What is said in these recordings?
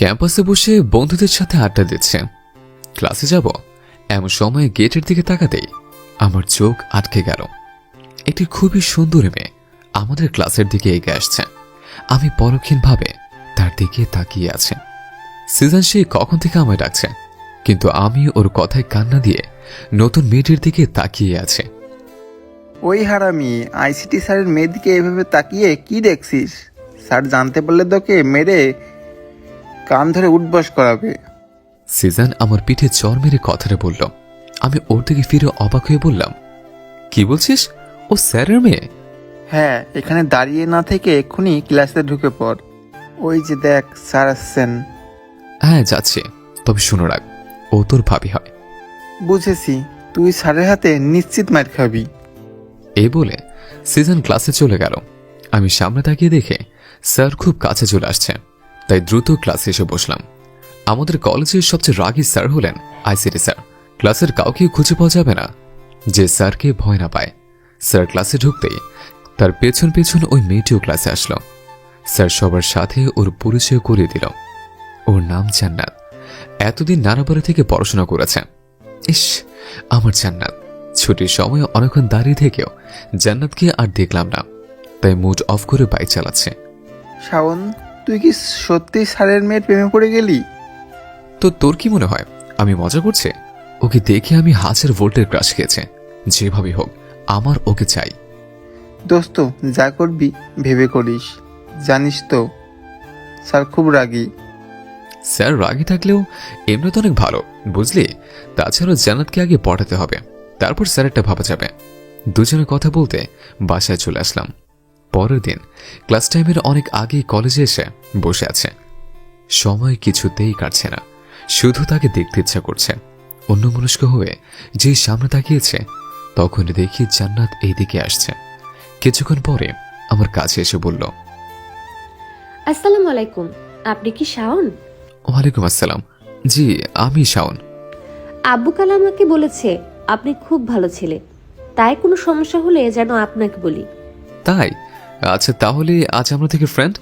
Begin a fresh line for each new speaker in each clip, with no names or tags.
ক্যাম্পাসে বসে বন্ধুদের সাথে আড্ডা দিচ্ছে। ক্লাসে যাব এমন সময় গেটের দিকে তাকাতেই আমার চোখ আটকে গেল। একটি খুবই সুন্দর মেয়ে আমাদের ক্লাসের দিকে এগিয়ে আসছে। আমি পরক্ষীণভাবে তার দিকে তাকিয়ে আছে। সিজন সে কখন থেকে আমায় ডাকছে, কিন্তু আমি ওর কথায় কান্না দিয়ে নতুন মেয়েটির দিকে তাকিয়ে আছে।
ওই হারামি, আইসিটি স্যারের মেয়েদিকে এভাবে তাকিয়ে কি দেখছিস? স্যার জানতে পারলে তোকে মেরে কান ধরে উঠবস করাবে।
সিজন আমার পিঠে চর মেরে কথাটা বলল। আমি ওর দিকে ফিরে অবাক হয়ে বললাম, কি বলছিস? ও স্যারের মেয়ে?
হ্যাঁ, এখানে দাঁড়িয়ে না থেকে এক্ষুনি ক্লাসে ঢুকে পড়। ওই যে দেখ, স্যার আসছেন।
হ্যাঁ যাচ্ছে, তবে শুনো রাখ, ও তোর ভাবি হয়।
বুঝেছি, তুই স্যারের হাতে নিশ্চিত মার খাবি।
এই বলে সিজন ক্লাসে চলে গেল। আমি সামনে তাকিয়ে দেখে স্যার খুব কাছে চলে আসছে, তাই দ্রুত ক্লাসে এসে বসলাম। আমাদের কলেজের সবচেয়ে রাগী স্যার হলেন আইসিটি স্যার। ক্লাসের কাউকে খুঁজে পাওয়া যাবে না যে স্যারকে ভয় না পায়। স্যার ক্লাসে ঢুকতেই তার পেছন পেছন ওই মেয়েটিও ক্লাসে আসলো। স্যার সবার সাথে ওর পরিচয় করিয়ে দিল। ওর নাম জান্নাত। এতদিন নানাবাড়ি থেকে পড়াশোনা করেছে। ইস, আমার জান্নাত। ছুটির সময় অনেকক্ষণ দাঁড়িয়ে থেকেও জান্নাতকে আর দেখলাম না, তাই মুড অফ করে বাইক চালাচ্ছে।
শাওন, তুই কি সত্যি স্যারের মেয়ের প্রেমে পড়ে গেলি?
তো তোর কি মনে হয় আমি মজা করছি? ওকে দেখে আমি 1000 ভোল্টের ক্রাশ খেয়েছে। যেভাবে হোক আমার ওকে চাই।
দোস্ত, যা করবি ভেবে করিস। জানিস তো, স্যার খুব রাগী।
স্যার রাগী থাকলেও এমনি তো অনেক ভালো, বুঝলি? তাছাড়া জান্নাতকে আগে পড়াতে হবে, তারপর স্যারেরটা ভাবা যাবে। দুজনে কথা বলতে বাসায় চলে আসলাম। পরের দিন ক্লাস টাইমের অনেক আগেই কলেজে এসে বসে আছে। সময় কিছুতেই কাটছে না, শুধু তাকে দেখতে ইচ্ছা করছে। অন্যমনস্ক হয়ে যেই সামনে তাকিয়েছে, তখন দেখি জান্নাত এইদিকে আসছে। কিছুক্ষণ পরে আমার কাছে এসে বলল,
আসসালামু আলাইকুম, আপনি কি শাওন?
ওয়ালাইকুম আসসালাম। জি, আমি শাওন।
আব্বু কাল আমাকে বলেছে আপনি খুব ভালো ছেলে, তাই কোনো সমস্যা হলে যেন আপনাকে বলি।
তাই? আচ্ছা, তাহলে আজ আমরা থেকে ফ্রেন্ড?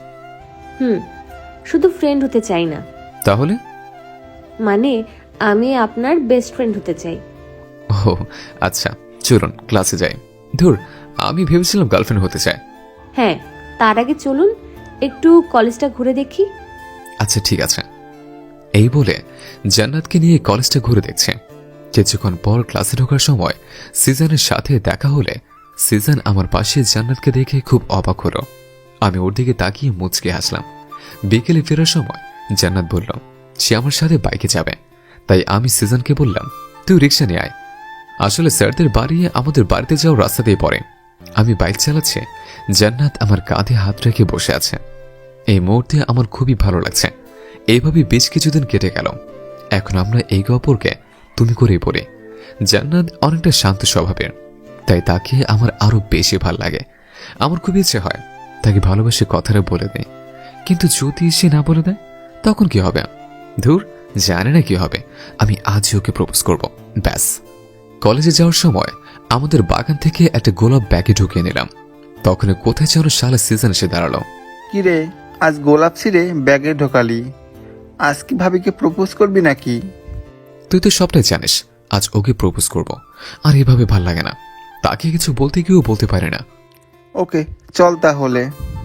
শুধু ফ্রেন্ড হতে চাই না,
তাহলে?
মানে আমি আপনার বেস্ট ফ্রেন্ড হতে চাই।
ও আচ্ছা, চলুন ক্লাসে যাই। ধুর, আমি ভেবেছিলাম গার্লফ্রেন্ড হতে চাই।
হ্যাঁ, তার আগে চলুন একটু কলেজটা ঘুরে দেখি।
আচ্ছা ঠিক আছে। এই বলে জান্নাতকে নিয়ে কলেজটা ঘুরে দেখছে। কিছুক্ষণ পর ক্লাসে ঢোকার সময় সিজনের সাথে দেখা হলে সিজন আমার পাশে জান্নাতকে দেখে খুব অবাক হলো। আমি ওর দিকে তাকিয়ে মুচকে হাসলাম। বিকেলে ফেরার সময় জান্নাত বলল সে আমার সাথে বাইকে যাবে, তাই আমি সিজনকে বললাম তুই রিক্সা নিয়ে আয়। আসলে স্যারদের বাড়ি আমাদের বাড়িতে যাওয়ার রাস্তা দিয়ে পড়ে। আমি বাইক চালাচ্ছি, জান্নাত আমার কাঁধে হাত রেখে বসে আছে। এই মুহূর্তে আমার খুবই ভালো লাগছে। এইভাবে বেশ কিছুদিন কেটে গেল। এখন আমরা এই অপরকে তুমি করেই পড়ি। জান্নাত অনেকটা শান্ত স্বভাবের, তাই তাকে আমার আরো বেশি ভাল লাগে। আমার খুব ইচ্ছে হয় তাকে ভালোবেসে কথাটা বলে দেয়, কিন্তু যদি সে না বলে দেয় তখন কি হবে? ধুর, জানে না কি হবে। আমি আজই ওকে প্রপোজ করব, ব্যাস। কলেজে যাওয়ার সময় আমাদের বাগান থেকে একটা গোলাপ ব্যাগে ঢুকিয়ে নিলাম। তখন কোথায় যেন শালা সিজন এসে দাঁড়ালো।
কিরে, আজ গোলাপ ছিঁড়ে ব্যাগে ঢোকালি? আজ কি ভাবিকে প্রপোজ করবি নাকি?
তুই তো সবটাই জানিস, আজ ওকে প্রপোজ করব। আর এভাবে ভাল লাগে না, তাকে কিছু বলতে গিয়েও বলতে পারে না।
ওকে, চল তাহলে।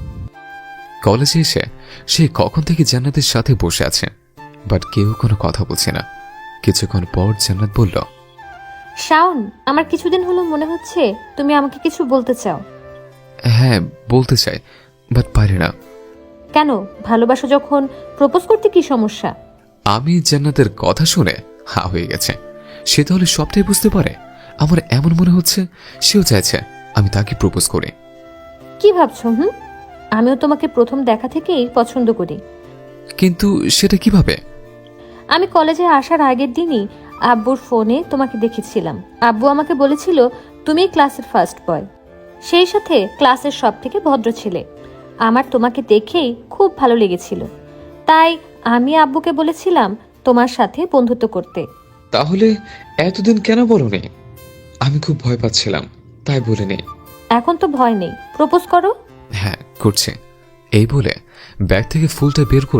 কলেজে এসে সে কখন থেকে জান্নাতের সাথে বসে আছে, বাট কেউ কোনো কথা বলছে না। কিছুক্ষণ পর জান্নাত বলল,
শাওন, আমার কিছুদিন হলো মনে হচ্ছে তুমি আমাকে কিছু বলতে চাও।
হ্যাঁ বলতে চাই, বাট পারি না।
কেন? ভালোবাসা যখন, প্রপোজ করতে কি সমস্যা?
আমি জান্নাতের কথা শুনে হা হয়ে গেছে। সে তাহলে সবটাই বুঝতে পারে। আমার এমন মনে হচ্ছে সেও চাইছে আমি তাকে প্রপোজ করি।
কি ভাবছো? আমিও তোমাকে প্রথম দেখা থেকেই পছন্দ করি।
কিন্তু সেটা কিভাবে?
আমি কলেজে আসার আগের দিনই আব্বুর ফোনে তোমাকে দেখেছিলাম। আব্বু আমাকে বলেছিল তুমি ক্লাসের ফার্স্ট বয়, সেই সাথে ক্লাসের সব থেকে ভদ্র ছেলে। আমার তোমাকে দেখেই খুব ভালো লেগেছিল, তাই আমি আব্বুকে বলেছিলাম তোমার সাথে বন্ধুত্ব করতে।
তাহলে এতদিন কেন বলোনি? আমি খুব ভয় পাচ্ছিলাম, তাই বলিনি।
এখন তো ভয় নেই, প্রপোজ করো।
হ্যাঁ করছে। এই বলে ব্যাগ থেকে ফুলটা বের করে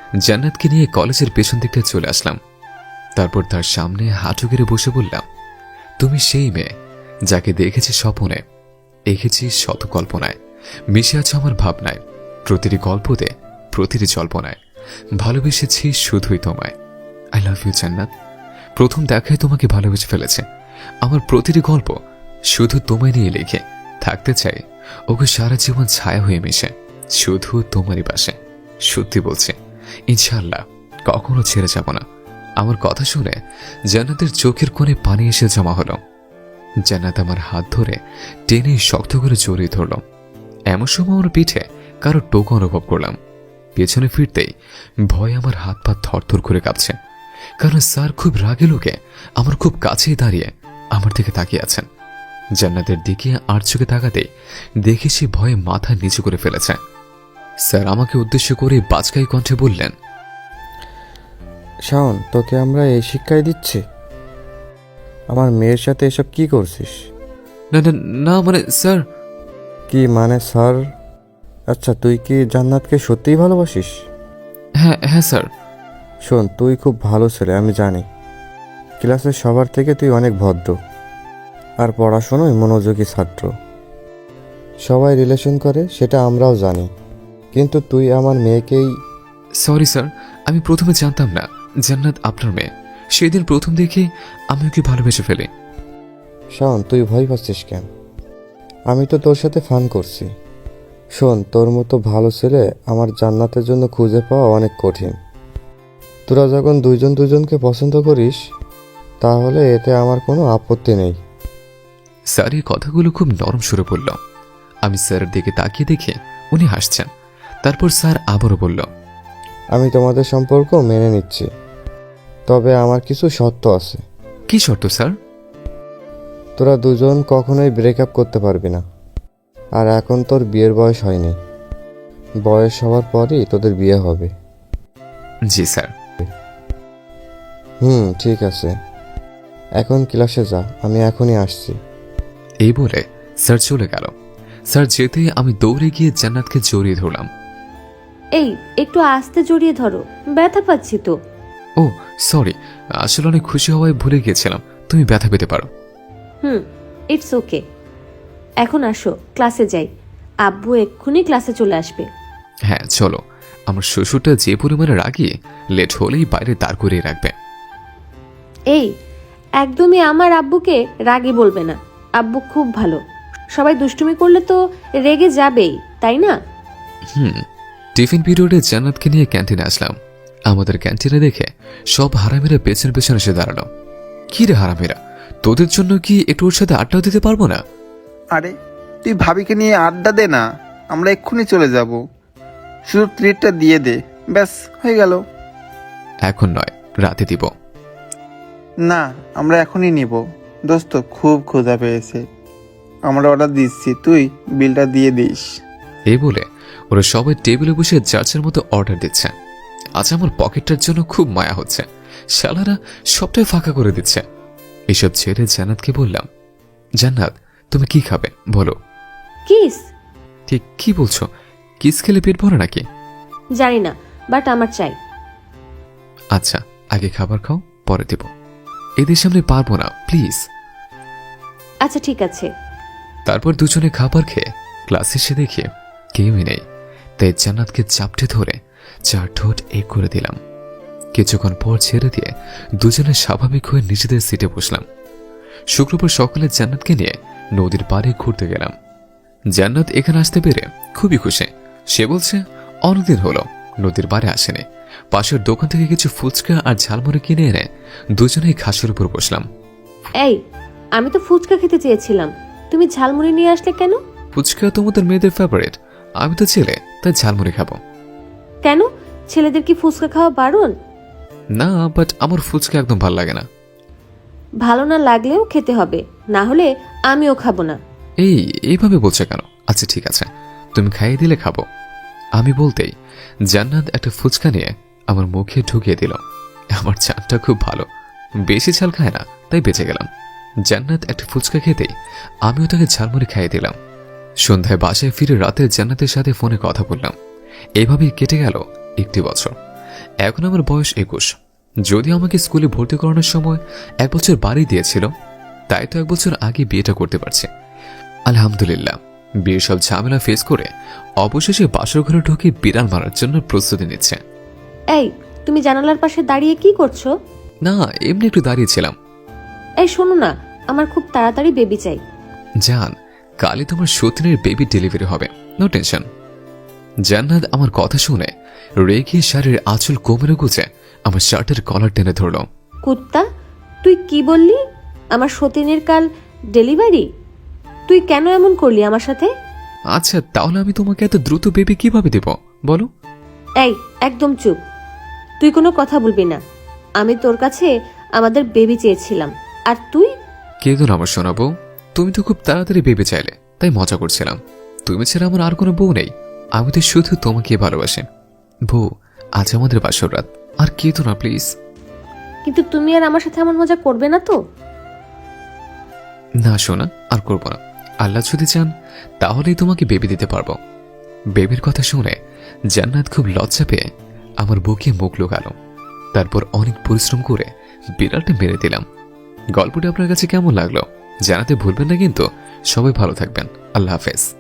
জান্নাতকে নিয়ে কলেজের পেছন দিকটা চলে আসলাম। তারপর তার সামনে হাঁটু গেড়ে বসে বললাম, তুমি সেই মেয়ে যাকে দেখেছি স্বপ্নে, এঁকেছি শত কল্পনায়, মিশে আছো আমার ভাবনায়, প্রতিটি গল্পতে, প্রতিটি জল্পনায় ভালোবেসেছি শুধুই তোমায়। আই লাভ ইউ জান্নাত। প্রথম দেখায় তোমাকে ভালোবেসে ফেলেছে। আমার প্রতিটি গল্প শুধু তোমায় নিয়ে লিখে থাকতে চাই, ওকে সারা জীবন ছায়া হয়ে মিশে শুধু তোমারই পাশে। সত্যি বলছি, ইনশাআল্লাহ কখনো ছেড়ে যাব না। আমার কথা শুনে জান্নাতের চোখের কোণে পানি এসে জমা হলো। জান্নাত আমার হাত ধরে টেনে শক্ত করে জড়িয়ে ধরল। এমন সময় আমার পিঠে কারো টোকা অনুভব করলাম। পেছনে ফিরতেই ভয় আমার হাত পা থরথর করে কাঁপছে, কারণ স্যার খুব রাগে লোকে আমার খুব কাছেই দাঁড়িয়ে আমার দিকে তাকিয়ে আছেন। জান্নাতের দিকে আর চোখে তাকাতেই দেখে সে ভয়ে মাথা নিচু করে ফেলেছে। স্যার আমাকে উদ্দেশ্য করে বাজকাই কণ্ঠে বললেন,
শাওন, তোকে আমরা এই শিক্ষাই দিচ্ছি? আমার মেয়ের সাথে এসব কি করছিস?
না না না, মানে স্যার।
কি মানে স্যার? আচ্ছা, তুই কি জান্নাতকে সত্যিই ভালোবাসিস?
হ্যাঁ হ্যাঁ স্যার।
শোন, তুই খুব ভালো ছেলে, আমি জানি। ক্লাসের সবার থেকে তুই অনেক ভদ্র আর পড়াশোনায় মনোযোগী ছাত্র। সবাই রিলেশন করে সেটা আমরাও জানি, কিন্তু তুই আমার মেয়েকেই...
সরি স্যার, আমি প্রথমে জানতাম না জান্নাত আপনার মেয়ে। সেদিন প্রথম দেখে আমি ওকে ভালোবেসে ফেলি।
শাওন, তুই ভয় পাচ্ছিস কেন? আমি তো তোর সাথে ফান করছি। শোন, তোর মতো ভালো ছেলে আমার জান্নাতের জন্য খুঁজে পাওয়া অনেক কঠিন। তোরা যখন দুইজন দুজনকে পছন্দ করিস, তাহলে এতে আমার কোনো আপত্তি নেই।
স্যার এই কথাগুলো খুব নরম সুরে বলল। আমি স্যারের দিকে তাকিয়ে দেখে উনি হাসছেন। তারপর স্যার আবারও বলল,
আমি তোমাদের সম্পর্ক মেনে নিচ্ছি, তবে আমার কিছু শর্ত আছে।
কি শর্ত স্যার?
তোরা দুজন কখনোই ব্রেকআপ করতে পারবি না। আর এখন তোর বিয়ের বয়স হয়নি, বয়স হওয়ার পরই তোদের বিয়ে হবে।
জি স্যার।
ঠিক আছে, এখন ক্লাসে যা, আমি এখনই আসছি।
এই বলে স্যার চলে গেল। স্যার যেতেই আমি দৌড়ে গিয়ে জান্নাতকে জড়িয়ে ধরলাম।
এই একটু আস্তে জড়িয়ে ধরো, ব্যথা পাচ্ছি তো।
ও সরি, আসলে অনেক খুশি হওয়ায় ভুলে গিয়েছিলাম। তুমি ব্যথা পেতে পারো।
It's okay. এখন আসো, ক্লাসে যাই। আব্বু এক্ষুনি ক্লাসে চলে আসবে।
হ্যাঁ চলো। আমার শ্বশুরটা যে পরিমাণে রাগি, লেট হলেই বাইরে দাঁড় করিয়ে রাখবে।
এই একদমই আমার আব্বুকে রাগী বলবে না। আব্বু খুব ভালো। সবাই দুষ্টুমি করলে তো রেগে যাবেই, তাই না?
টিফিন পিরিয়ডে জান্নাতকে নিয়ে ক্যান্টিনে আসলাম। আমাদের ক্যান্টিনে দেখে সব হারামিরা পেছন পেছন এসে দাঁড়ালো। কি রে হারামিরা, তোদের জন্য কি একটু ওর সাথে আড্ডা দিতে পারবো না?
আরে তুই ভাবিকে নিয়ে আড্ডা দে না, আমরা এক্ষুনি চলে যাব। শুধু ট্রিটটা দিয়ে দে, ব্যাস হয়ে গেল।
এখন নয়, রাতে দিব।
না, আমরা এখনই নিব। দোস্ত খুব ক্ষুধা পেয়েছে, আমরা অর্ডার দিচ্ছি, তুই বিলটা দিয়ে দিস।
এই বলে ওরা সবাই টেবিলে বসে যার মতো অর্ডার দিচ্ছে। আজ আমার পকেটটার জন্য খুব মায়া হচ্ছে। শালারা সবটাই ফাঁকা করে দিচ্ছে। এসব ছেড়ে জান্নাতকে বললাম, জান্নাত তুমি কি খাবে বলো?
কিস?
ঠিক কি বলছো? কিস খেলে পেট ভরে নাকি?
জানি না, বাট আমার চাই।
আচ্ছা আগে খাবার খাও, পরে দেব। এদের সামনে পারবো না, প্লিজ।
আচ্ছা ঠিক আছে।
তারপর দুজনে খাবার খেয়ে ক্লাসে এসে দেখে কেউই নেই, তাই জান্নাতকে চাপটে ধরে চার ঠোঁট এক করে দিলাম। কিছুক্ষণ পর ছেড়ে দিয়ে দুজনে স্বাভাবিক হয়ে নিজেদের সিটে বসলাম। শুক্রবার সকালে জান্নাতকে নিয়ে নদীর পাড়ে ঘুরতে গেলাম। জান্নাত এখানে আসতে পেরে খুবই খুশি। সে বলছে অনেকদিন হলো নদীর পাড়ে আসেনি। পাশের দোকান থেকে কিছু ফুচকা আর ঝালমুড়ি কিনে এনে দুজনেই ঘাসের উপর বসলাম।
এই আমি তো ফুচকা খেতে চেয়েছিলাম, তুমি ঝালমুড়ি নিয়ে আসলে কেন?
ফুচকা তোমাদের মেয়েদের ফেভারিট, আমি তো ছেলে, তাই ঝালমুড়ি খাবো।
কেন, ছেলেদের কি ফুচকা খাওয়া বারণ?
না, বাট আমার ফুচকা একদম ভালো লাগে না।
ভালো না লাগলেও খেতে হবে, না হলে আমিও খাবো না।
এইভাবে বলছে কেন? আচ্ছা ঠিক আছে, তুমি খাইয়ে দিলে খাবো। আমি বলতেই জান্নাত একটা ফুচকা নিয়ে আমার মুখে ঢুকিয়ে দিল। আমার চানটা খুব ভালো, বেশি ঝাল খায় না, তাই বেঁচে গেলাম। জান্নাত একটা ফুচকা খেতেই আমিও তাকে ঝালমুড়ি খাইয়ে দিলাম। সন্ধ্যায় বাসায় ফিরে রাতে জান্নাতের সাথে ফোনে কথা বললাম। এভাবেই কেটে গেল 1 বছর। এখন আমার বয়স 21। যদিও আমাকে স্কুলে ভর্তি করানোর সময় 1 বছর বাড়ি দিয়েছিল, তাই তো 1 বছর আগে বিয়েটা করতে পারছে। আলহামদুলিল্লাহ, বিয়ের সব ঝামেলা ফেস করে অবশেষে বাসর ঘরে ঢুকে বিড়াল মারার জন্য প্রস্তুতি নিচ্ছে।
এই, তুমি জানালার পাশে দাঁড়িয়ে কি করছো?
না, এমনি একটু দাঁড়িয়েছিলাম।
এই শোনো না, আমার খুব তাড়াতাড়ি বেবি চাই।
জান, কালই তোমার সতীনের বেবি ডেলিভারি হবে, নো টেনশন। জান্নাত আমার কথা শুনে রেগে শাড়ির আঁচল কোমরে গুছে আমার শার্টের কলার টেনে ধরল।
কুত্তা, তুই কি বললি? আমার সতীনের কাল ডেলিভারি? তুই কেন এমন করলি আমার সাথে?
আচ্ছা, তাহলে আমি তোমাকে এত দ্রুত বেবি কিভাবে দেব বলো?
এই, একদম চুপ। তুই কোনো কথা বলবি না। আমি তোর কাছে আমাদের বেবি চেয়েছিলাম, আর তুই?
কেঁদো না আমার শোনাবো। তুমি তো খুব তাড়াতাড়ি বেবি চাইলে, তাই মজা করছিলাম। তুমি ছাড়া আমার আর কোনো বউ নেই, আমি তো শুধু তোমাকে ভালোবাসি। বউ, আজ আমাদের বাসর রাত, আর কেঁদো না প্লিজ।
কিন্তু তুমি আর আমার সাথে এমন মজা করবে না তো?
না শোনা, আর করবো না। আল্লাহ যদি চান তাহলেই তোমাকে বেবি দিতে পারবো। বেবির কথা শুনে জান্নাত খুব লজ্জা পেয়ে আমার বুকে মুখ লুকালো। তারপর অনেক পরিশ্রম করে বিড়ালটা মেরে দিলাম। গল্পটি আপনার কাছে কেমন লাগলো জানাতে ভুলবেন না কিন্তু। সবাই ভালো থাকবেন। আল্লাহ হাফেজ।